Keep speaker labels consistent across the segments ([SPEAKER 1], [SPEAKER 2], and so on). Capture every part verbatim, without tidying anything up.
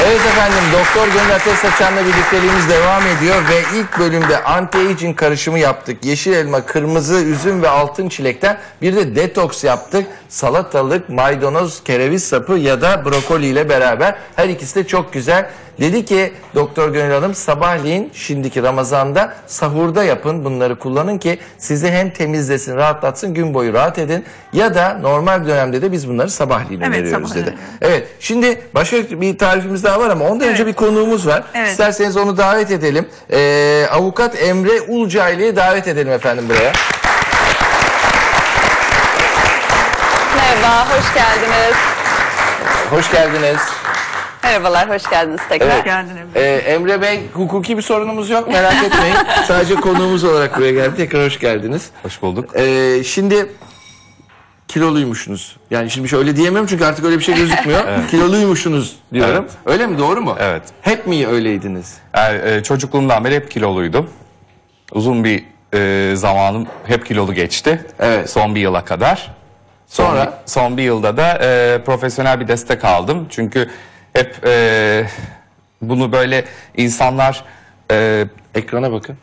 [SPEAKER 1] Evet efendim, Doktor Gönül Ateş Saçan'la birlikteliğimiz devam ediyor ve ilk bölümde anti-aging karışımı yaptık. Yeşil elma, kırmızı üzüm ve altın çilekten bir de detoks yaptık. Salatalık, maydanoz, kereviz sapı ya da brokoli ile beraber. Her ikisi de çok güzel. Dedi ki Doktor Gönül Hanım, sabahleyin şimdiki Ramazan'da sahurda yapın, bunları kullanın ki sizi hem temizlesin, rahatlatsın, gün boyu rahat edin. Ya da normal dönemde de biz bunları sabahleyin
[SPEAKER 2] Evet,
[SPEAKER 1] öneriyoruz
[SPEAKER 2] sabah
[SPEAKER 1] dedi. Evet, şimdi başka bir tarifimiz daha var ama ondan
[SPEAKER 2] Evet.
[SPEAKER 1] önce bir konuğumuz var.
[SPEAKER 2] Evet.
[SPEAKER 1] İsterseniz onu davet edelim. Ee, Avukat Emre Ulcaylı'yı davet edelim efendim buraya.
[SPEAKER 3] Merhaba, hoş geldiniz.
[SPEAKER 1] Hoş geldiniz.
[SPEAKER 3] Merhabalar, hoş geldiniz tekrar.
[SPEAKER 1] Evet.
[SPEAKER 2] Hoş geldin Emre.
[SPEAKER 1] Ee, Emre Bey, hukuki bir sorunumuz yok, merak etmeyin. Sadece konuğumuz olarak buraya geldi. Tekrar hoş geldiniz.
[SPEAKER 4] Hoş bulduk.
[SPEAKER 1] Ee, şimdi kiloluymuşsunuz. Yani şimdi şöyle diyemiyorum çünkü artık öyle bir şey gözükmüyor. Evet. Kiloluymuşsunuz diyorum.
[SPEAKER 4] Evet.
[SPEAKER 1] Öyle mi? Doğru mu?
[SPEAKER 4] Evet.
[SPEAKER 1] Hep mi öyleydiniz?
[SPEAKER 4] Yani, e, çocukluğumdan beri hep kiloluydum. Uzun bir e, zamanım hep kilolu geçti.
[SPEAKER 1] Evet.
[SPEAKER 4] Son bir yıla kadar.
[SPEAKER 1] Sonra?
[SPEAKER 4] Son, son bir yılda da e, profesyonel bir destek aldım. Çünkü hep e, bunu böyle insanlar... E,
[SPEAKER 1] Ekrana bakın.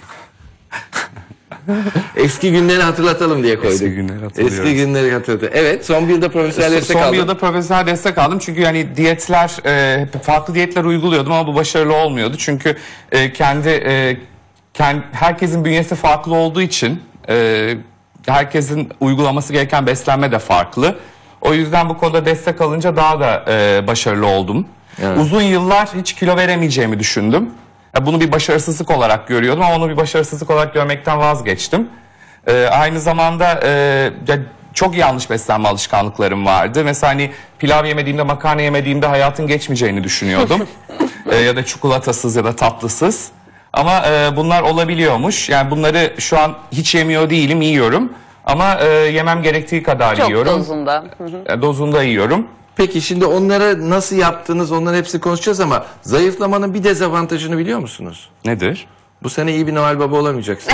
[SPEAKER 1] Eski günleri hatırlatalım diye koyduk.
[SPEAKER 4] Eski günleri hatırlıyoruz.
[SPEAKER 1] Eski günleri hatırlatalım. Evet, son bir yılda profesyonel destek
[SPEAKER 4] Son
[SPEAKER 1] aldım.
[SPEAKER 4] bir yılda profesyonel destek aldım çünkü yani diyetler, e, farklı diyetler uyguluyordum ama bu başarılı olmuyordu. Çünkü e, kendi, e, kendi herkesin bünyesi farklı olduğu için e, herkesin uygulaması gereken beslenme de farklı. O yüzden bu konuda destek alınca daha da e, başarılı oldum.
[SPEAKER 1] Evet.
[SPEAKER 4] Uzun yıllar hiç kilo veremeyeceğimi düşündüm. Bunu bir başarısızlık olarak görüyordum ama onu bir başarısızlık olarak görmekten vazgeçtim. Ee, aynı zamanda e, ya çok yanlış beslenme alışkanlıklarım vardı. Mesela hani pilav yemediğimde, makarna yemediğimde hayatın geçmeyeceğini düşünüyordum. ee, ya da çikolatasız ya da tatlısız. Ama e, bunlar olabiliyormuş. Yani bunları şu an hiç yemiyor değilim, yiyorum. Ama e, yemem gerektiği kadar
[SPEAKER 3] Çok
[SPEAKER 4] yiyorum.
[SPEAKER 3] dozunda. Hı hı.
[SPEAKER 4] E, dozunda yiyorum.
[SPEAKER 1] Peki şimdi onları nasıl yaptınız, onların hepsini konuşacağız ama zayıflamanın bir dezavantajını biliyor musunuz?
[SPEAKER 4] Nedir?
[SPEAKER 1] Bu sene iyi bir Noel Baba olamayacaksın.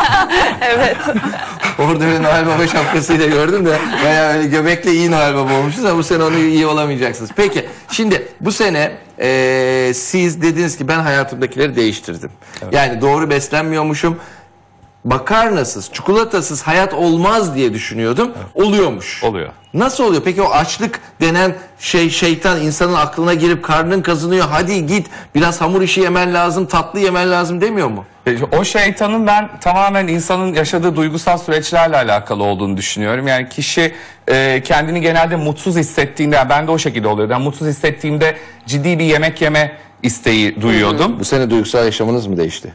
[SPEAKER 3] Evet.
[SPEAKER 1] Orada bir Noel Baba şapkasıyla gördüm de bayağı öyle göbekle iyi Noel Baba olmuşuz ama bu sene onu iyi olamayacaksınız. Peki şimdi bu sene e, siz dediniz ki ben hayatımdakileri değiştirdim.
[SPEAKER 4] Evet.
[SPEAKER 1] Yani doğru beslenmiyormuşum. Makarnasız, çikolatasız hayat olmaz diye düşünüyordum. Evet. Oluyormuş.
[SPEAKER 4] Oluyor.
[SPEAKER 1] Nasıl oluyor? Peki o açlık denen şey, şeytan insanın aklına girip karnın kazınıyor. Hadi git biraz hamur işi yemen lazım, tatlı yemen lazım demiyor mu?
[SPEAKER 4] O şeytanın ben tamamen insanın yaşadığı duygusal süreçlerle alakalı olduğunu düşünüyorum. Yani kişi e, kendini genelde mutsuz hissettiğinde, yani ben de o şekilde oluyordu. Yani mutsuz hissettiğimde ciddi bir yemek yeme isteği duyuyordum.
[SPEAKER 1] Bu sene duygusal yaşamınız mı değişti?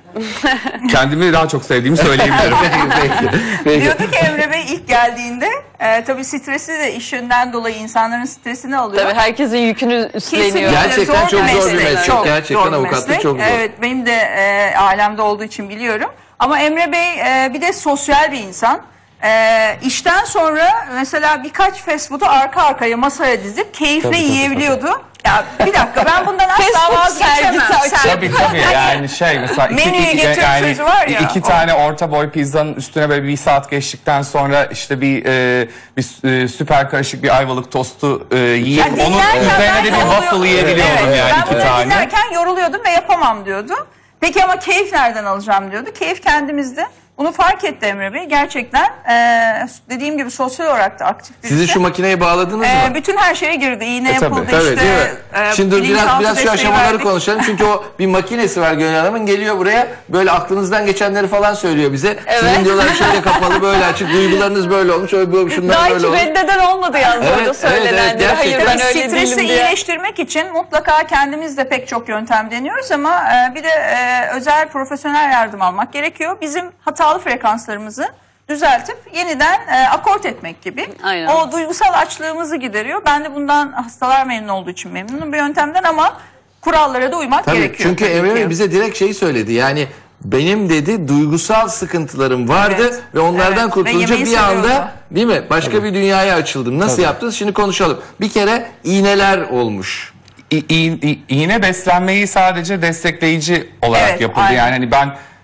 [SPEAKER 4] Kendimi daha çok sevdiğimi söyleyebilirim.
[SPEAKER 1] Peki, peki.
[SPEAKER 2] Diyordu ki Emre Bey ilk geldiğinde e, tabii stresi de iş yönden dolayı insanların stresini alıyor.
[SPEAKER 3] Tabii herkesin yükünü üstleniyor.
[SPEAKER 2] Kesinlikle
[SPEAKER 1] Gerçekten çok
[SPEAKER 2] bir
[SPEAKER 1] zor bir meslek.
[SPEAKER 2] Çok
[SPEAKER 1] Gerçekten
[SPEAKER 2] zor bir
[SPEAKER 1] avukatlık
[SPEAKER 2] meslek.
[SPEAKER 1] çok zor.
[SPEAKER 2] Evet, benim de e, ailemde olduğu için biliyorum. Ama Emre Bey e, bir de sosyal bir insan. E, işten sonra mesela birkaç fast food'u arka arkaya masaya dizip keyifle
[SPEAKER 1] Tabii, tabii,
[SPEAKER 2] yiyebiliyordu. Ya bir dakika, ben bundan
[SPEAKER 3] Fast
[SPEAKER 2] asla
[SPEAKER 3] food
[SPEAKER 2] vazgeçemem.
[SPEAKER 3] sergisi
[SPEAKER 2] Sen-
[SPEAKER 4] Tabii tabii yani şey mesela iki,
[SPEAKER 2] Menüyü
[SPEAKER 4] iki,
[SPEAKER 2] getir
[SPEAKER 4] yani
[SPEAKER 2] sözü var ya,
[SPEAKER 4] iki
[SPEAKER 2] o.
[SPEAKER 4] tane orta boy pizzanın üstüne böyle bir saat geçtikten sonra işte bir e, bir e, süper karışık bir ayvalık tostu e, yiyip
[SPEAKER 2] Ya
[SPEAKER 4] onun
[SPEAKER 2] dinlerken
[SPEAKER 4] üzerine
[SPEAKER 2] ben
[SPEAKER 4] de bir
[SPEAKER 2] yoruluyordum.
[SPEAKER 4] waffle yiyebiliyordum
[SPEAKER 2] Evet,
[SPEAKER 4] yani
[SPEAKER 2] ben
[SPEAKER 4] iki
[SPEAKER 2] bunu
[SPEAKER 4] tane.
[SPEAKER 2] dinlerken yoruluyordum ve yapamam diyordu. Peki ama keyif nereden alacağım diyordu. Keyif kendimizde. Bunu fark etti Emre Bey. Gerçekten e, dediğim gibi sosyal olarak da aktif birisi.
[SPEAKER 1] Sizi şu makineye bağladınız
[SPEAKER 2] E,
[SPEAKER 1] mı?
[SPEAKER 2] bütün her şeye girdi. İğne
[SPEAKER 4] E, tabii.
[SPEAKER 2] yapıldı
[SPEAKER 1] Tabii,
[SPEAKER 2] işte.
[SPEAKER 1] değil mi?
[SPEAKER 2] e,
[SPEAKER 1] Şimdi dur, biraz
[SPEAKER 2] bilinçaltı
[SPEAKER 1] biraz şu
[SPEAKER 2] desteği
[SPEAKER 1] aşamaları
[SPEAKER 2] verdik.
[SPEAKER 1] konuşalım. Çünkü o bir makinesi var Gönül Hanım'ın, geliyor buraya böyle aklınızdan geçenleri falan söylüyor bize.
[SPEAKER 3] Evet.
[SPEAKER 1] Sizin diyorlar şöyle kapalı, böyle açık, duygularınız böyle olmuş, öyle böyle, şunlar
[SPEAKER 3] Daha
[SPEAKER 1] böyle
[SPEAKER 3] hiç
[SPEAKER 1] olmuş.
[SPEAKER 3] reddeden olmadı yalnız
[SPEAKER 1] Evet,
[SPEAKER 3] orada
[SPEAKER 1] evet,
[SPEAKER 3] söylenenleri.
[SPEAKER 1] evet,
[SPEAKER 3] Hayır
[SPEAKER 1] gerçekten.
[SPEAKER 3] ben öyle
[SPEAKER 2] Stresi
[SPEAKER 3] değilim diye.
[SPEAKER 2] iyileştirmek için mutlaka kendimiz de pek çok yöntem deniyoruz ama e, bir de e, özel profesyonel yardım almak gerekiyor. Bizim hatalı frekanslarımızı düzeltip yeniden e, akort etmek gibi.
[SPEAKER 3] Aynen.
[SPEAKER 2] O duygusal açlığımızı gideriyor. Ben de bundan hastalar memnun olduğu için memnunum bir yöntemden ama kurallara da uymak
[SPEAKER 1] Tabii,
[SPEAKER 2] gerekiyor.
[SPEAKER 1] çünkü
[SPEAKER 2] tabii
[SPEAKER 1] Emre
[SPEAKER 2] ki.
[SPEAKER 1] Bey bize direkt şeyi söyledi. Yani benim dedi duygusal sıkıntılarım vardı
[SPEAKER 2] Evet,
[SPEAKER 1] ve onlardan
[SPEAKER 2] evet.
[SPEAKER 1] kurtulunca
[SPEAKER 2] Ve yemeği
[SPEAKER 1] bir anda
[SPEAKER 2] seviyordu.
[SPEAKER 1] değil mi? Başka bir dünyaya açıldım. Nasıl
[SPEAKER 4] Tabii.
[SPEAKER 1] yaptınız? Şimdi konuşalım. Bir kere iğneler olmuş.
[SPEAKER 4] İ- İ- İ- iğne beslenmeyi sadece destekleyici olarak
[SPEAKER 2] Evet,
[SPEAKER 4] yapıldı.
[SPEAKER 2] aynen.
[SPEAKER 4] Yani hani ben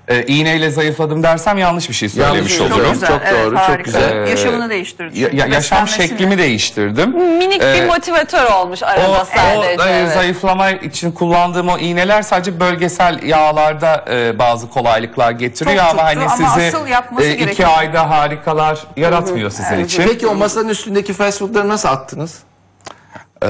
[SPEAKER 4] e, iğneyle zayıfladım dersem yanlış bir şey söylemiş
[SPEAKER 1] Yanlış,
[SPEAKER 4] olurum.
[SPEAKER 1] çok güzel. Çok doğru, çok
[SPEAKER 2] harika.
[SPEAKER 1] güzel.
[SPEAKER 2] Yaşamını değiştirdi.
[SPEAKER 4] Ya- ya- yaşam
[SPEAKER 2] Beslenmesini.
[SPEAKER 4] şeklimi değiştirdim.
[SPEAKER 3] Minik bir
[SPEAKER 4] Ee,
[SPEAKER 3] motivatör olmuş
[SPEAKER 4] O,
[SPEAKER 3] arada
[SPEAKER 4] o
[SPEAKER 3] sadece.
[SPEAKER 4] e,
[SPEAKER 3] evet.
[SPEAKER 4] zayıflama için kullandığım o iğneler sadece bölgesel yağlarda e, bazı kolaylıklar getiriyor
[SPEAKER 2] Çok
[SPEAKER 4] ama
[SPEAKER 2] tuttu
[SPEAKER 4] hani
[SPEAKER 2] ama
[SPEAKER 4] sizi
[SPEAKER 2] asıl yapması
[SPEAKER 4] e, iki
[SPEAKER 2] gerekiyor.
[SPEAKER 4] ayda harikalar yaratmıyor sizin için.
[SPEAKER 1] Peki o masanın üstündeki fast foodları nasıl attınız?
[SPEAKER 4] Ee,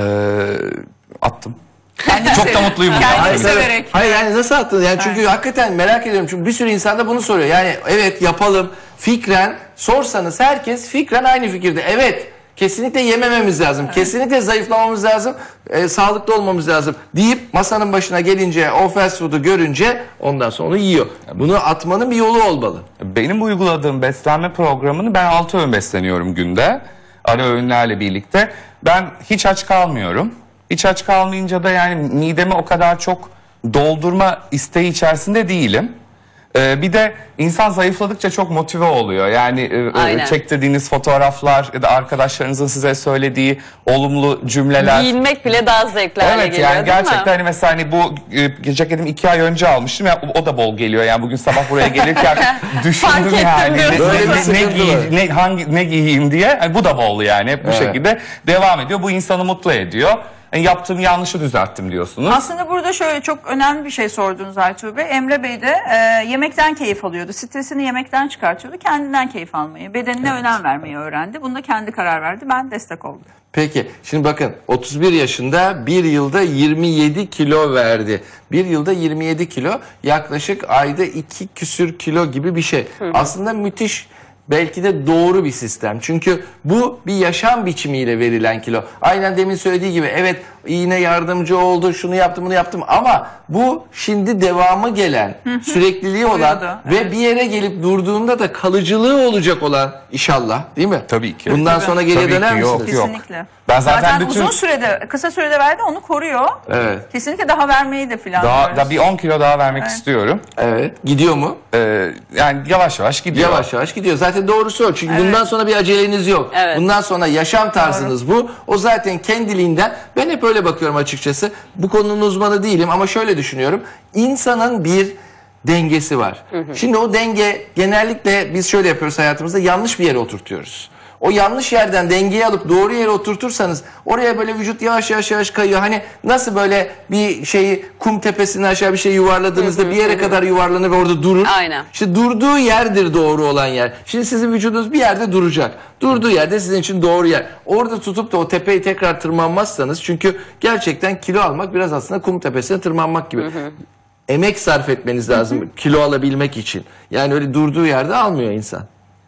[SPEAKER 4] attım.
[SPEAKER 2] Kendini
[SPEAKER 4] Çok da
[SPEAKER 2] sev-
[SPEAKER 4] mutluyum bundan.
[SPEAKER 2] Kendini
[SPEAKER 4] Hayır,
[SPEAKER 2] severek.
[SPEAKER 1] Hayır yani nasıl attınız? Yani çünkü hakikaten merak ediyorum. Çünkü bir sürü insan da bunu soruyor. Yani evet yapalım. Fikren sorsanız herkes fikren aynı fikirde. Evet kesinlikle yemememiz lazım. Kesinlikle zayıflamamız lazım. e, sağlıklı olmamız lazım deyip masanın başına gelince o fast food'u görünce ondan sonra onu yiyor. Bunu atmanın bir yolu olmalı.
[SPEAKER 4] Benim uyguladığım beslenme programını ben altı öğün besleniyorum günde. Ara öğünlerle birlikte. Ben hiç aç kalmıyorum. Hiç aç kalmayınca da yani midemi o kadar çok doldurma isteği içerisinde değilim. Ee, bir de insan zayıfladıkça çok motive oluyor. Yani e,
[SPEAKER 3] Aynen.
[SPEAKER 4] çektirdiğiniz fotoğraflar ya da arkadaşlarınızın size söylediği olumlu cümleler.
[SPEAKER 3] Giyinmek bile daha zevkli hale
[SPEAKER 4] Evet
[SPEAKER 3] geliyor
[SPEAKER 4] yani
[SPEAKER 3] değil
[SPEAKER 4] gerçekten
[SPEAKER 3] mi?
[SPEAKER 4] hani mesela hani bu e, ceketimi iki ay önce almıştım ya o, o da bol geliyor yani bugün sabah buraya gelirken
[SPEAKER 3] Fark
[SPEAKER 4] düşündüm
[SPEAKER 3] ettim
[SPEAKER 4] yani
[SPEAKER 3] diyorsun.
[SPEAKER 4] ne,
[SPEAKER 1] Böyle bir
[SPEAKER 4] ne, ne,
[SPEAKER 1] sıkıntı
[SPEAKER 4] giy-
[SPEAKER 1] var.
[SPEAKER 4] ne, hangi, ne giyeyim diye hani bu da bol yani hep bu
[SPEAKER 1] Evet.
[SPEAKER 4] şekilde devam ediyor bu insanı mutlu ediyor. Yani yaptığım yanlışı düzelttim diyorsunuz.
[SPEAKER 2] Aslında burada şöyle çok önemli bir şey sordunuz Aytuğ Bey. Emre Bey de e, yemekten keyif alıyordu. Stresini yemekten çıkartıyordu. Kendinden keyif almayı, bedenine önem vermeyi öğrendi. Bunda kendi karar verdi. Ben destek oldum.
[SPEAKER 1] Peki şimdi bakın otuz bir yaşında bir yılda yirmi yedi kilo verdi. Bir yılda yirmi yedi kilo yaklaşık ayda iki küsür kilo gibi bir şey. Aslında müthiş. Belki de doğru bir sistem. Çünkü bu bir yaşam biçimiyle verilen kilo. Aynen demin söylediği gibi evet iğne yardımcı oldu, şunu yaptım, bunu yaptım ama bu şimdi devamı gelen, sürekliliği olan
[SPEAKER 2] Buyurdu,
[SPEAKER 1] ve bir yere gelip durduğunda da kalıcılığı olacak olan inşallah, değil mi?
[SPEAKER 4] Tabii ki.
[SPEAKER 1] Bundan sonra geriye
[SPEAKER 4] Tabii
[SPEAKER 1] döner
[SPEAKER 4] ki, yok,
[SPEAKER 1] misiniz?
[SPEAKER 4] yok.
[SPEAKER 2] Kesinlikle.
[SPEAKER 4] Ben zaten bütün-
[SPEAKER 2] uzun sürede, kısa sürede verdi, onu koruyor.
[SPEAKER 1] Evet.
[SPEAKER 2] Kesinlikle daha vermeyi de planlıyoruz.
[SPEAKER 4] Daha, daha bir on kilo daha vermek istiyorum.
[SPEAKER 1] Evet. Gidiyor mu?
[SPEAKER 4] Ee, yani yavaş yavaş gidiyor.
[SPEAKER 1] Yavaş yavaş gidiyor. Zaten doğrusu o. Çünkü bundan sonra bir aceleniz yok.
[SPEAKER 3] Evet.
[SPEAKER 1] Bundan sonra yaşam tarzınız bu. O zaten kendiliğinden. Ben hep öyle bakıyorum açıkçası. Bu konunun uzmanı değilim ama şöyle düşünüyorum. İnsanın bir dengesi var. Şimdi o denge genellikle biz şöyle yapıyoruz hayatımızda, yanlış bir yere oturtuyoruz. O yanlış yerden dengeyi alıp doğru yere oturtursanız oraya böyle vücut yavaş yavaş yavaş kayıyor. Hani nasıl böyle bir şeyi kum tepesinden aşağı bir şey yuvarladığınızda bir yere kadar yuvarlanır ve orada durur.
[SPEAKER 3] Aynen.
[SPEAKER 1] İşte durduğu yerdir doğru olan yer. Şimdi sizin vücudunuz bir yerde duracak. Durduğu yerde sizin için doğru yer. Orada tutup da o tepeyi tekrar tırmanmazsanız, çünkü gerçekten kilo almak biraz aslında kum tepesine tırmanmak gibi. Emek sarf etmeniz lazım kilo alabilmek için. Yani öyle durduğu yerde almıyor insan.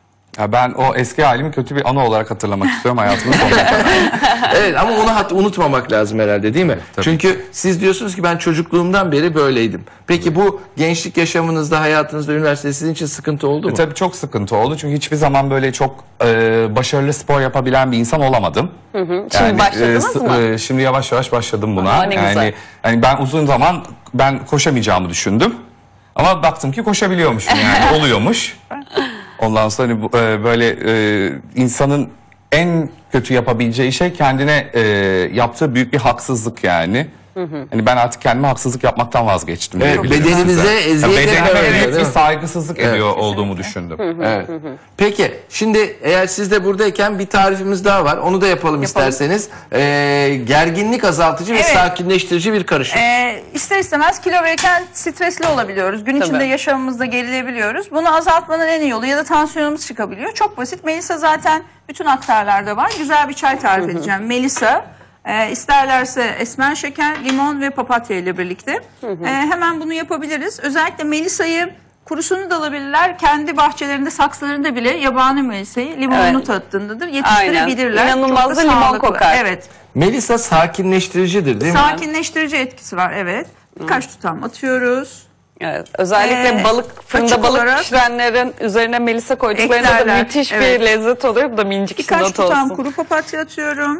[SPEAKER 4] Ya ben o eski halimi kötü bir anı olarak hatırlamak istiyorum hayatımın sonuna kadar.
[SPEAKER 1] Evet ama onu hat- unutmamak lazım herhalde, değil mi?
[SPEAKER 4] Tabii.
[SPEAKER 1] Çünkü siz diyorsunuz ki ben çocukluğumdan beri böyleydim. Peki bu gençlik yaşamınızda, hayatınızda, üniversitede sizin için sıkıntı oldu mu?
[SPEAKER 4] E, Tabii çok sıkıntı oldu çünkü hiçbir zaman böyle çok e, başarılı spor yapabilen bir insan olamadım.
[SPEAKER 3] Şimdi başladınız
[SPEAKER 4] s-
[SPEAKER 3] mı?
[SPEAKER 4] e, şimdi yavaş yavaş başladım buna.
[SPEAKER 3] Aa, ne
[SPEAKER 4] yani
[SPEAKER 3] güzel.
[SPEAKER 4] hani ben uzun zaman ben koşamayacağımı düşündüm. Ama baktım ki koşabiliyormuşum yani oluyormuş. Ondan sonra hani bu, e, böyle e, insanın en kötü yapabileceği şey kendine e, yaptığı büyük bir haksızlık yani. Hani ben artık kendime haksızlık yapmaktan vazgeçtim.
[SPEAKER 1] Evet,
[SPEAKER 4] diyebilirim
[SPEAKER 1] bedeninize
[SPEAKER 4] size.
[SPEAKER 1] eziyet
[SPEAKER 4] Ya bedenime
[SPEAKER 1] etmemek,
[SPEAKER 4] evet,
[SPEAKER 1] değil
[SPEAKER 4] bir
[SPEAKER 1] mi?
[SPEAKER 4] saygısızlık
[SPEAKER 1] Evet,
[SPEAKER 4] ediyor olduğumu düşündüm.
[SPEAKER 1] Evet. Peki şimdi eğer siz de buradayken bir tarifimiz daha var. Onu da yapalım, isterseniz. Ee, gerginlik azaltıcı ve
[SPEAKER 2] Evet.
[SPEAKER 1] sakinleştirici bir karışım.
[SPEAKER 2] Ee, ister istemez kilo verirken stresli olabiliyoruz. Gün içinde
[SPEAKER 3] Tabii.
[SPEAKER 2] yaşamımızda gerilebiliyoruz. Bunu azaltmanın en iyi yolu, ya da tansiyonumuz çıkabiliyor. Çok basit. Melisa zaten bütün aktarlarda var. Güzel bir çay tarif edeceğim. Melisa. E, isterlerse esmer şeker, limon ve papatya ile birlikte. E, hemen bunu yapabiliriz. Özellikle Melisa'yı kurusunu da alabilirler. Kendi bahçelerinde, saksılarında bile yabani Melisa'yı limonunu
[SPEAKER 3] Evet.
[SPEAKER 2] tattığındadır. Yetiştirebilirler.
[SPEAKER 3] Aynen. İnanılmaz
[SPEAKER 2] Çok
[SPEAKER 3] da limon
[SPEAKER 2] sağlıklı.
[SPEAKER 3] kokar.
[SPEAKER 2] Evet.
[SPEAKER 1] Melisa sakinleştiricidir, değil mi?
[SPEAKER 2] Sakinleştirici etkisi var. Evet. Birkaç tutam atıyoruz.
[SPEAKER 3] Evet, özellikle
[SPEAKER 2] Ee,
[SPEAKER 3] balık fırında
[SPEAKER 2] açık
[SPEAKER 3] balık
[SPEAKER 2] olarak
[SPEAKER 3] pişirenlerin üzerine melisa koyduklarında da
[SPEAKER 2] eklerler,
[SPEAKER 3] müthiş
[SPEAKER 2] evet.
[SPEAKER 3] bir lezzet oluyor. Bu da minicik
[SPEAKER 2] Birkaç
[SPEAKER 3] not
[SPEAKER 2] tutam
[SPEAKER 3] olsun.
[SPEAKER 2] kuru papatya atıyorum.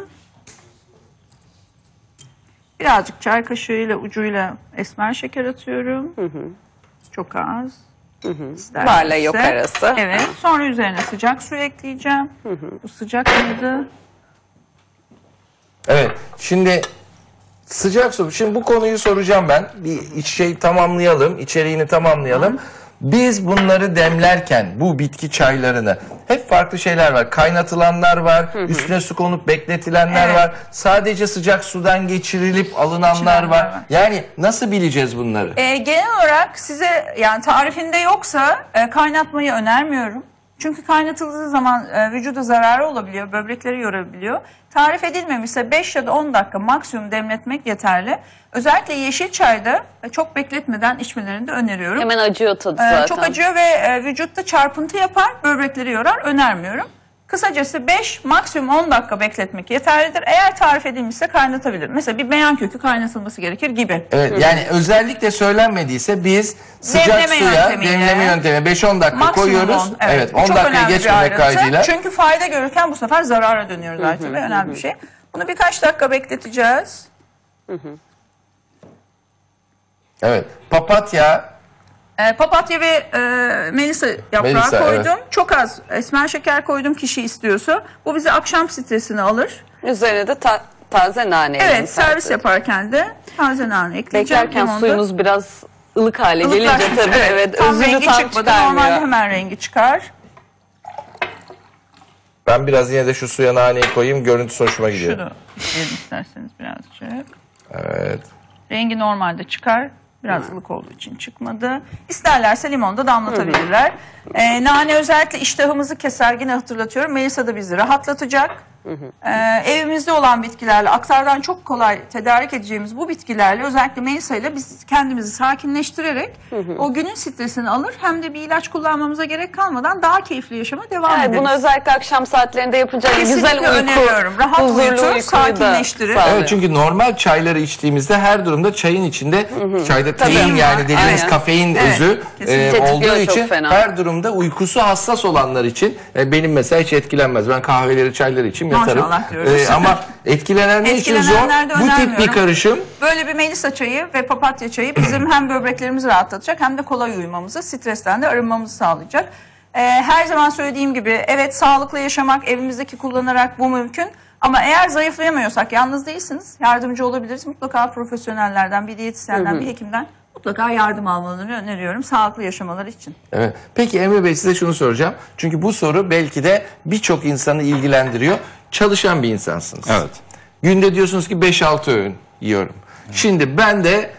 [SPEAKER 2] Birazcık çay kaşığıyla ucuyla esmer şeker atıyorum. Çok az. İsterlerse.
[SPEAKER 3] Barla yok arası.
[SPEAKER 2] Evet. Sonra üzerine sıcak su ekleyeceğim. Bu sıcak mıydı?
[SPEAKER 1] Evet. Şimdi sıcak su. Şimdi bu konuyu soracağım ben. Bir iç şey tamamlayalım. İçeriğini tamamlayalım. Biz bunları demlerken bu bitki çaylarını hep farklı şeyler var. Kaynatılanlar var, üstüne su konup bekletilenler
[SPEAKER 2] Evet.
[SPEAKER 1] var. Sadece sıcak sudan geçirilip alınanlar
[SPEAKER 2] İçilenler
[SPEAKER 1] var.
[SPEAKER 2] var.
[SPEAKER 1] Yani nasıl bileceğiz bunları?
[SPEAKER 2] E, genel olarak size yani tarifinde yoksa e, kaynatmayı önermiyorum. Çünkü kaynatıldığı zaman e, vücuda zararı olabiliyor, böbrekleri yorabiliyor. Tarif edilmemişse beş ya da on dakika maksimum demletmek yeterli. Özellikle yeşil çayda e, çok bekletmeden içmelerini de öneriyorum.
[SPEAKER 3] Hemen acıyor tadı
[SPEAKER 2] E,
[SPEAKER 3] zaten.
[SPEAKER 2] çok acıyor ve e, vücutta çarpıntı yapar, böbrekleri yorar. Önermiyorum. Kısacası beş maksimum on dakika bekletmek yeterlidir. Eğer tarif edilmişse kaynatabilir. Mesela bir beyan kökü kaynatılması gerekir gibi.
[SPEAKER 1] Evet, yani özellikle söylenmediyse biz sıcak
[SPEAKER 2] Demleme
[SPEAKER 1] suya
[SPEAKER 2] yöntemiyle.
[SPEAKER 1] demleme yöntemi beş on dakika
[SPEAKER 2] Maksimum
[SPEAKER 1] koyuyoruz.
[SPEAKER 2] on,
[SPEAKER 1] Evet,
[SPEAKER 2] Bu
[SPEAKER 1] on
[SPEAKER 2] çok
[SPEAKER 1] dakikayı
[SPEAKER 2] önemli bir
[SPEAKER 1] geçmemek
[SPEAKER 2] ayrıntı.
[SPEAKER 1] kaydıyla.
[SPEAKER 2] Çünkü fayda görürken bu sefer zarara dönüyoruz artık ve önemli bir şey. Bunu birkaç dakika bekleteceğiz.
[SPEAKER 1] Evet. Papatya,
[SPEAKER 2] Ee, papatya ve e, melisa yaprağı
[SPEAKER 1] Melisa,
[SPEAKER 2] koydum.
[SPEAKER 1] evet.
[SPEAKER 2] Çok az esmer şeker koydum kişi istiyorsa. Bu bize akşam stresini alır.
[SPEAKER 3] Üzerine de ta- taze nane.
[SPEAKER 2] Evet,
[SPEAKER 3] ekleyeyim
[SPEAKER 2] servis
[SPEAKER 3] sadece.
[SPEAKER 2] yaparken de taze nane ekleyeceğim.
[SPEAKER 3] Beklerken
[SPEAKER 2] Limonu da
[SPEAKER 3] suyumuz biraz ılık hale gelince
[SPEAKER 2] ılıklaşmış.
[SPEAKER 3] tabii evet,
[SPEAKER 2] Tam
[SPEAKER 3] özünü
[SPEAKER 2] rengi
[SPEAKER 3] tam
[SPEAKER 2] çıkmadı.
[SPEAKER 3] çıkarmıyor.
[SPEAKER 2] Normalde hemen rengi çıkar.
[SPEAKER 1] ben biraz yine de şu suya naneyi koyayım, görüntüsü hoşuma gidiyor.
[SPEAKER 2] Şunu ekleyelim isterseniz birazcık.
[SPEAKER 1] Evet.
[SPEAKER 2] Rengi normalde çıkar. Biraz ılık olduğu için çıkmadı. İsterlerse limonu da damlatabilirler. Ee, nane özellikle iştahımızı keser. Yine hatırlatıyorum. Melisa da bizi rahatlatacak. Ee, evimizde olan bitkilerle, aktardan çok kolay tedarik edeceğimiz bu bitkilerle, özellikle Melisa ile biz kendimizi sakinleştirerek o günün stresini alır. Hem de bir ilaç kullanmamıza gerek kalmadan daha keyifli yaşama devam
[SPEAKER 3] Evet,
[SPEAKER 2] ederiz.
[SPEAKER 3] bunu özellikle akşam saatlerinde yapınca
[SPEAKER 2] Kesinlikle
[SPEAKER 3] güzel uyku,
[SPEAKER 2] öneriyorum. Rahat
[SPEAKER 3] huzurlu
[SPEAKER 2] uyutur,
[SPEAKER 3] uykuyu da
[SPEAKER 2] sakinleştirir.
[SPEAKER 3] sağlıyor.
[SPEAKER 1] Evet, çünkü normal çayları içtiğimizde her durumda çayın içinde çayda
[SPEAKER 3] Tabii.
[SPEAKER 1] tein yani dediğimiz
[SPEAKER 3] Aynen.
[SPEAKER 1] kafein
[SPEAKER 2] Evet,
[SPEAKER 1] özü
[SPEAKER 2] kesinlikle.
[SPEAKER 1] e,
[SPEAKER 3] Tetikliyor
[SPEAKER 1] olduğu
[SPEAKER 3] çok
[SPEAKER 1] için
[SPEAKER 3] fena.
[SPEAKER 1] her durumda uykusu hassas olanlar için e, benim mesela hiç etkilenmez. Ben kahveleri çayları için yatarım.
[SPEAKER 2] Maşallah diyoruz.
[SPEAKER 1] E, ama etkilenenler için zor.
[SPEAKER 2] Etkilenenler de
[SPEAKER 1] Bu tip bir
[SPEAKER 2] önermiyorum.
[SPEAKER 1] karışım.
[SPEAKER 2] Böyle bir melisa çayı ve papatya çayı bizim hem böbreklerimizi rahatlatacak hem de kolay uyumamızı, stresten de arınmamızı sağlayacak. Ee, her zaman söylediğim gibi evet, sağlıklı yaşamak evimizdeki kullanarak bu mümkün. Ama eğer zayıflayamıyorsak, yalnız değilsiniz, yardımcı olabiliriz. Mutlaka profesyonellerden, bir diyetisyenden, bir hekimden mutlaka yardım almalarını öneriyorum sağlıklı yaşamaları için.
[SPEAKER 1] Evet. Peki Emre Bey, size şunu soracağım. Çünkü bu soru belki de birçok insanı ilgilendiriyor. Çalışan bir insansınız.
[SPEAKER 4] Evet.
[SPEAKER 1] Günde diyorsunuz ki beş altı öğün yiyorum. Şimdi ben de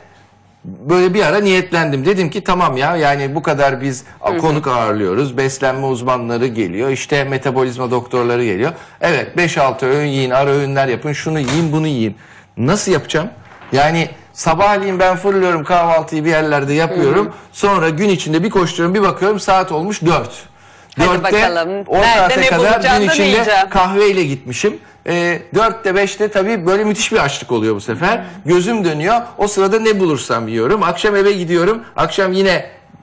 [SPEAKER 1] böyle bir ara niyetlendim. Dedim ki tamam ya, yani bu kadar biz konuk ağırlıyoruz. Beslenme uzmanları geliyor. İşte metabolizma doktorları geliyor. Evet, beş altı öğün yiyin, ara öğünler yapın. Şunu yiyin, bunu yiyin. Nasıl yapacağım? Yani sabahleyin ben fırlıyorum, kahvaltıyı bir yerlerde yapıyorum. Sonra gün içinde bir koşturuyorum, bir bakıyorum saat olmuş dört.
[SPEAKER 3] Hadi
[SPEAKER 1] Dörtte
[SPEAKER 3] bakalım.
[SPEAKER 1] o
[SPEAKER 3] Nerede
[SPEAKER 1] saate
[SPEAKER 3] ne
[SPEAKER 1] kadar
[SPEAKER 3] bulacağım
[SPEAKER 1] gün
[SPEAKER 3] da ne
[SPEAKER 1] içinde
[SPEAKER 3] yiyeceğim?
[SPEAKER 1] kahveyle gitmişim. E, dörtte beşte tabii böyle müthiş bir açlık oluyor bu sefer. Gözüm dönüyor. O sırada ne bulursam yiyorum. Akşam eve gidiyorum. Akşam yine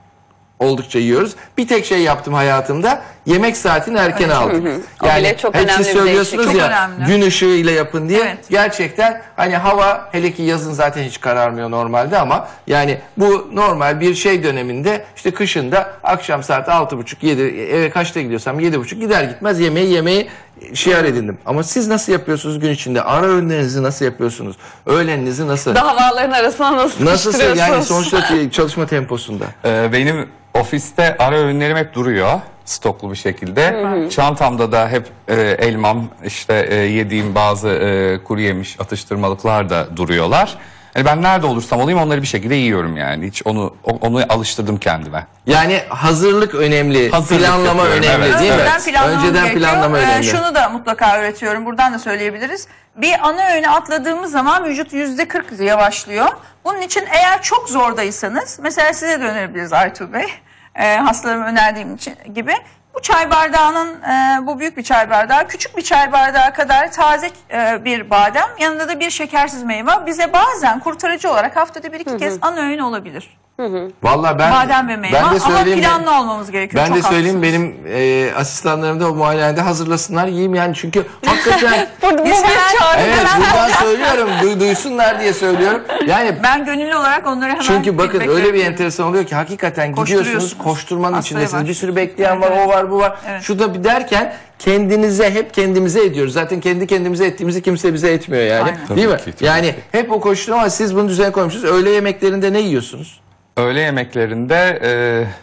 [SPEAKER 1] oldukça yiyoruz. Bir tek şey yaptım hayatımda. Yemek saatini erken aldım.
[SPEAKER 3] O bile çok
[SPEAKER 1] hep
[SPEAKER 3] önemli
[SPEAKER 1] siz
[SPEAKER 3] bir
[SPEAKER 1] söylüyorsunuz
[SPEAKER 2] değişiklik.
[SPEAKER 1] ya,
[SPEAKER 2] Çok önemli.
[SPEAKER 1] gün ışığıyla yapın diye.
[SPEAKER 2] Evet.
[SPEAKER 1] Gerçekten hani hava, hele ki yazın zaten hiç kararmıyor normalde, ama yani bu normal bir şey döneminde, işte kışında akşam saat altı buçuk yedi, eve kaçta gidiyorsam yedi buçuk, gider gitmez yemeği yemeyi şiar edindim. Ama siz nasıl yapıyorsunuz gün içinde? Ara öğünlerinizi nasıl yapıyorsunuz? Öğleninizi nasıl?
[SPEAKER 3] Davaların arasına nasıl
[SPEAKER 1] Nasıl yani
[SPEAKER 3] sıkıştırıyorsunuz?
[SPEAKER 1] sonuçta çalışma temposunda?
[SPEAKER 4] Ee, benim ofiste ara öğünlerim hep duruyor stoklu bir şekilde. Çantamda da hep e, elmam, işte e, yediğim bazı e, kuru yemiş atıştırmalıklar da duruyorlar. Yani ben nerede olursam olayım onları bir şekilde yiyorum yani. Hiç onu o- onu alıştırdım kendime.
[SPEAKER 1] Yani hazırlık önemli,
[SPEAKER 4] Hazırlık
[SPEAKER 1] planlama
[SPEAKER 4] yapıyorum,
[SPEAKER 1] önemli
[SPEAKER 4] evet.
[SPEAKER 1] değil mi?
[SPEAKER 2] Önceden planlamamız
[SPEAKER 1] Önceden
[SPEAKER 2] gerekiyor.
[SPEAKER 1] planlama
[SPEAKER 2] Ee,
[SPEAKER 1] önemli.
[SPEAKER 2] şunu da mutlaka öğretiyorum. Buradan da söyleyebiliriz. Bir ana öğüne atladığımız zaman vücut yüzde kırk yavaşlıyor. Bunun için eğer çok zordaysanız, mesela size de önerebiliriz Aytuğ Bey. Ee, hastalarıma önerdiğim için gibi. Bu çay bardağının, e, bu büyük bir çay bardağı, küçük bir çay bardağı kadar taze e, bir badem, yanında da bir şekersiz meyve bize bazen kurtarıcı olarak haftada bir iki kez ana öğün olabilir.
[SPEAKER 1] Vallahi ben
[SPEAKER 2] Badem ve meyve,
[SPEAKER 1] ben de
[SPEAKER 2] ama
[SPEAKER 1] söyleyeyim,
[SPEAKER 2] planlı olmamız gerekiyor.
[SPEAKER 1] ben de
[SPEAKER 2] Çok
[SPEAKER 1] söyleyeyim,
[SPEAKER 2] haklısınız.
[SPEAKER 1] benim e, asistanlarım da o muayenehanede hazırlasınlar, yiyeyim yani, çünkü hakikaten
[SPEAKER 3] Bu, bu bir
[SPEAKER 2] Mesela-
[SPEAKER 3] çağrı.
[SPEAKER 1] evet, buradan söylüyorum, du- duysunlar diye söylüyorum. Yani
[SPEAKER 2] Ben gönüllü olarak onları hemen
[SPEAKER 1] çünkü bakın
[SPEAKER 2] feedback
[SPEAKER 1] öyle bir
[SPEAKER 2] veriyorum.
[SPEAKER 1] enteresan oluyor ki hakikaten gidiyorsunuz,
[SPEAKER 2] Koşturuyorsunuz.
[SPEAKER 1] koşturmanın
[SPEAKER 2] Hastaya
[SPEAKER 1] içindesiniz.
[SPEAKER 2] var.
[SPEAKER 1] Bir sürü bekleyen var,
[SPEAKER 2] Evet,
[SPEAKER 1] o var, bu var.
[SPEAKER 2] Evet.
[SPEAKER 1] Şu da bir derken kendinize, hep kendimize ediyoruz. Zaten kendi kendimize ettiğimizi kimse bize etmiyor yani.
[SPEAKER 2] Aynen.
[SPEAKER 1] Değil mi?
[SPEAKER 4] Tabii ki, tabii
[SPEAKER 1] Yani hep o koşturma, ama siz bunu düzen koymuşsunuz. Öğle yemeklerinde ne yiyorsunuz?
[SPEAKER 4] Öğle yemeklerinde e,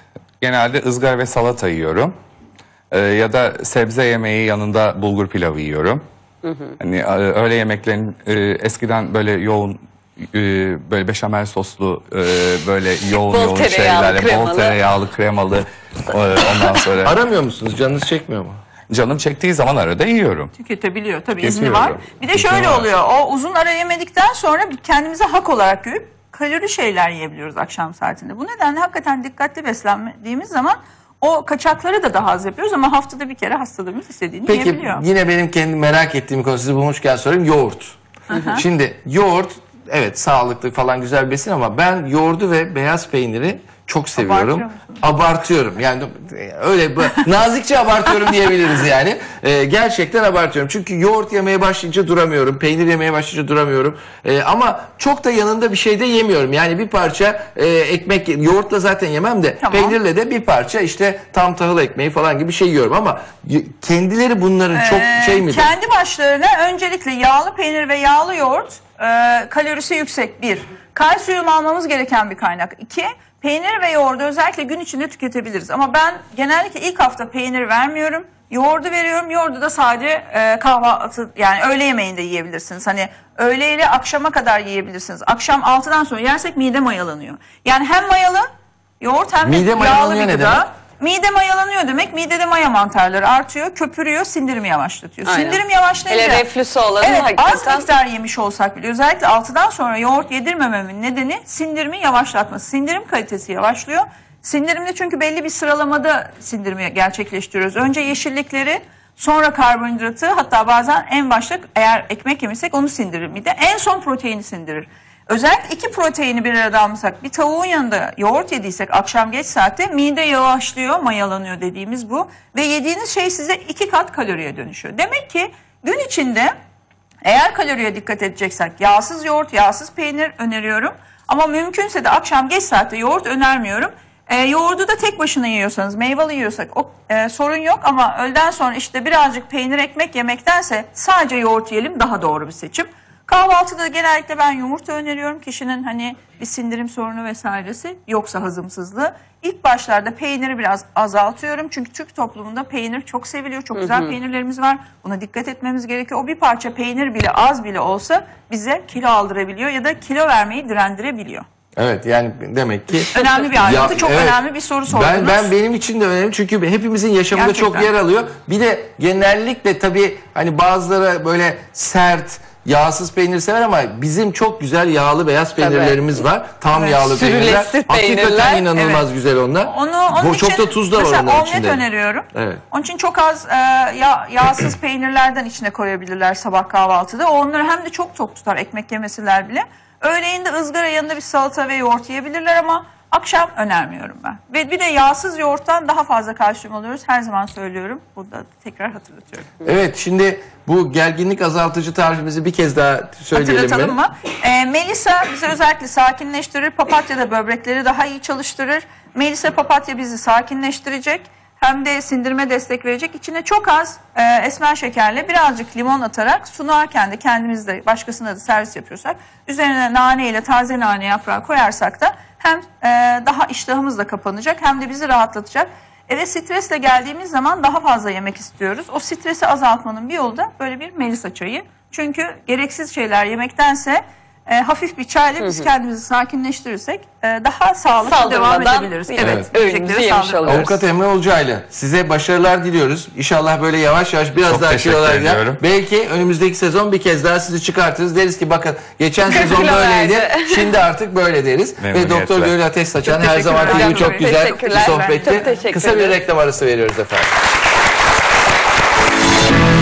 [SPEAKER 4] genelde ızgara ve salata yiyorum. Ee, ya da sebze yemeği yanında bulgur pilavı yiyorum. Hani e, öğle yemeklerin e, eskiden böyle yoğun e, böyle beşamel soslu e, böyle yoğun
[SPEAKER 3] Bol
[SPEAKER 4] yoğun
[SPEAKER 3] tereyağlı,
[SPEAKER 4] şeylerle bol
[SPEAKER 3] kremalı.
[SPEAKER 4] tereyağlı kremalı e, ondan sonra
[SPEAKER 1] Aramıyor musunuz? Canınız çekmiyor mu?
[SPEAKER 4] canım çektiği zaman arada yiyorum.
[SPEAKER 2] Tüketebiliyor tabii, izni
[SPEAKER 4] Tüketiyorum.
[SPEAKER 2] var. Bir de
[SPEAKER 4] İzni
[SPEAKER 2] şöyle
[SPEAKER 4] var.
[SPEAKER 2] oluyor, o uzun ara yemedikten sonra bir kendimize hak olarak görüp kalori şeyler yiyebiliyoruz akşam saatinde. Bu nedenle hakikaten dikkatli beslendiğimiz zaman o kaçakları da daha az yapıyoruz ama haftada bir kere hastalığımız istediğini
[SPEAKER 1] Peki
[SPEAKER 2] yiyebiliyor.
[SPEAKER 1] yine benim kendi merak ettiğim konu, sizi bulmuşken sorayım, yoğurt. Şimdi yoğurt evet sağlıklı falan güzel bir besin ama ben yoğurdu ve beyaz peyniri çok seviyorum.
[SPEAKER 2] Abartıyor musun?
[SPEAKER 1] Abartıyorum. Yani öyle bu- nazikçe abartıyorum diyebiliriz yani. Ee, gerçekten abartıyorum. Çünkü yoğurt yemeye başlayınca duramıyorum. Peynir yemeye başlayınca duramıyorum. Ee, ama çok da yanında bir şey de yemiyorum. Yani bir parça e, ekmek, yoğurtla zaten yemem de
[SPEAKER 2] Tamam.
[SPEAKER 1] peynirle de bir parça işte tam tahıl ekmeği falan gibi bir şey yiyorum ama y- kendileri bunların çok
[SPEAKER 2] Ee,
[SPEAKER 1] şey mi?
[SPEAKER 2] Kendi başlarına öncelikle yağlı peynir ve yağlı yoğurt e, kalorisi yüksek bir. Kalsiyum almamız gereken bir kaynak. İki, peynir ve yoğurdu özellikle gün içinde tüketebiliriz. Ama ben genellikle ilk hafta peynir vermiyorum. Yoğurdu veriyorum. Yoğurdu da sadece e, kahvaltı, yani öğle yemeğinde yiyebilirsiniz. Hani öğle ile akşama kadar yiyebilirsiniz. Akşam altıdan sonra yersek mide mayalanıyor. Yani hem mayalı yoğurt hem de
[SPEAKER 1] Mide
[SPEAKER 2] yağlı
[SPEAKER 1] mayalanıyor
[SPEAKER 2] bir
[SPEAKER 1] ne
[SPEAKER 2] gıda.
[SPEAKER 1] demek?
[SPEAKER 2] Mide mayalanıyor demek, midede maya mantarları artıyor, köpürüyor, sindirimi yavaşlatıyor.
[SPEAKER 3] Aynen.
[SPEAKER 2] Sindirim yavaşlayınca...
[SPEAKER 3] Hele reflüsü olanın
[SPEAKER 2] Evet, az
[SPEAKER 3] hakikaten-
[SPEAKER 2] miktar yemiş olsak bile özellikle altıdan sonra yoğurt yedirmememin nedeni sindirimi yavaşlatması. Sindirim kalitesi yavaşlıyor. Sindirimde çünkü belli bir sıralamada sindirimi gerçekleştiriyoruz. Önce yeşillikleri, sonra karbonhidratı, hatta bazen en başta eğer ekmek yemesek onu sindirir mide. En son proteini sindirir. Özellikle iki proteini bir arada almışsak, bir tavuğun yanında yoğurt yediysek akşam geç saatte mide yavaşlıyor, mayalanıyor dediğimiz bu. Ve yediğiniz şey size iki kat kaloriye dönüşüyor. Demek ki gün içinde eğer kaloriye dikkat edeceksek yağsız yoğurt, yağsız peynir öneriyorum. Ama mümkünse de akşam geç saatte yoğurt önermiyorum. E, yoğurdu da tek başına yiyorsanız, meyveli yiyorsak o e, sorun yok ama öğleden sonra işte birazcık peynir ekmek yemektense sadece yoğurt yiyelim, daha doğru bir seçim. Kahvaltıda genellikle ben yumurta öneriyorum. Kişinin hani bir sindirim sorunu vesairesi yoksa hazımsızlığı. İlk başlarda peyniri biraz azaltıyorum. Çünkü Türk toplumunda peynir çok seviliyor. Çok güzel peynirlerimiz var. Buna dikkat etmemiz gerekiyor. O bir parça peynir bile, az bile olsa bize kilo aldırabiliyor ya da kilo vermeyi direndirebiliyor.
[SPEAKER 1] Evet yani demek ki
[SPEAKER 2] Önemli bir ayrıntı.
[SPEAKER 1] Ya,
[SPEAKER 2] çok
[SPEAKER 1] evet.
[SPEAKER 2] önemli bir soru sordunuz.
[SPEAKER 1] Ben, ben benim için de önemli çünkü hepimizin yaşamında
[SPEAKER 2] Gerçekten.
[SPEAKER 1] çok yer alıyor. Bir de genellikle tabii hani bazıları böyle sert, yağsız peynir sever ama bizim çok güzel yağlı beyaz peynirlerimiz var. Tam
[SPEAKER 2] Evet.
[SPEAKER 1] yağlı peynirler.
[SPEAKER 3] Sürülesi
[SPEAKER 1] Hakikaten
[SPEAKER 3] peynirler.
[SPEAKER 1] inanılmaz
[SPEAKER 2] Evet.
[SPEAKER 1] güzel onlar.
[SPEAKER 2] Onu, onun
[SPEAKER 1] Bu, çok
[SPEAKER 2] için
[SPEAKER 1] da tuz da var
[SPEAKER 2] mesela
[SPEAKER 1] onların
[SPEAKER 2] omlet
[SPEAKER 1] içinde.
[SPEAKER 2] öneriyorum.
[SPEAKER 1] Evet.
[SPEAKER 2] Onun için çok az e, yağ, yağsız peynirlerden içine koyabilirler sabah kahvaltıda. O onları hem de çok tok tutar ekmek yemeseler bile. Öğleyin de ızgara yanında bir salata ve yoğurt yiyebilirler ama akşam önermiyorum ben. Ve bir de yağsız yoğurttan daha fazla kalsiyum alıyoruz. Her zaman söylüyorum. Burada tekrar hatırlatıyorum.
[SPEAKER 1] Evet şimdi bu gerginlik azaltıcı tarifimizi bir kez daha söyleyelim
[SPEAKER 2] Hatırlatalım
[SPEAKER 1] mi?
[SPEAKER 2] mı? Ee, Melisa bizi özellikle sakinleştirir. Papatya da böbrekleri daha iyi çalıştırır. Melisa papatya bizi sakinleştirecek. Hem de sindirime destek verecek. İçine çok az e, esmer şekerle birazcık limon atarak sunarken de kendimiz de başkasına da servis yapıyorsak üzerine nane ile taze nane yaprağı koyarsak da hem e, daha iştahımız da kapanacak hem de bizi rahatlatacak. Eve stresle geldiğimiz zaman daha fazla yemek istiyoruz. O stresi azaltmanın bir yolu da böyle bir Melisa çayı. Çünkü gereksiz şeyler yemektense e, hafif bir çayla biz kendimizi sakinleştirirsek e, daha sağlıklı devam
[SPEAKER 3] Saldırmadan
[SPEAKER 2] edebiliriz.
[SPEAKER 3] bir
[SPEAKER 2] Evet,
[SPEAKER 3] öğünümüzü
[SPEAKER 2] yiyeceklere
[SPEAKER 3] yemiş
[SPEAKER 2] saldırmadan.
[SPEAKER 3] oluyoruz.
[SPEAKER 1] Avukat Emre Olcaylı size başarılar diliyoruz. İnşallah böyle yavaş yavaş biraz
[SPEAKER 4] Çok
[SPEAKER 1] daha
[SPEAKER 4] teşekkür
[SPEAKER 1] kilolar gider.
[SPEAKER 4] ediyorum.
[SPEAKER 1] Belki önümüzdeki sezon bir kez daha sizi çıkartırız. Deriz ki bakın geçen
[SPEAKER 3] kırk
[SPEAKER 1] sezon
[SPEAKER 3] kilo
[SPEAKER 1] böyleydi.
[SPEAKER 3] verdi.
[SPEAKER 1] Şimdi artık böyle deriz. Ve
[SPEAKER 4] Memnuniyetle.
[SPEAKER 1] Doktor Gönül Ateş Saçan
[SPEAKER 2] Çok
[SPEAKER 1] her zaman
[SPEAKER 2] teşekkürler.
[SPEAKER 1] gibi çok
[SPEAKER 2] Çok
[SPEAKER 1] güzel bir
[SPEAKER 3] teşekkürler.
[SPEAKER 1] sohbetti.
[SPEAKER 3] Çok teşekkür
[SPEAKER 1] Kısa bir
[SPEAKER 3] ederim.
[SPEAKER 1] reklam arası veriyoruz efendim.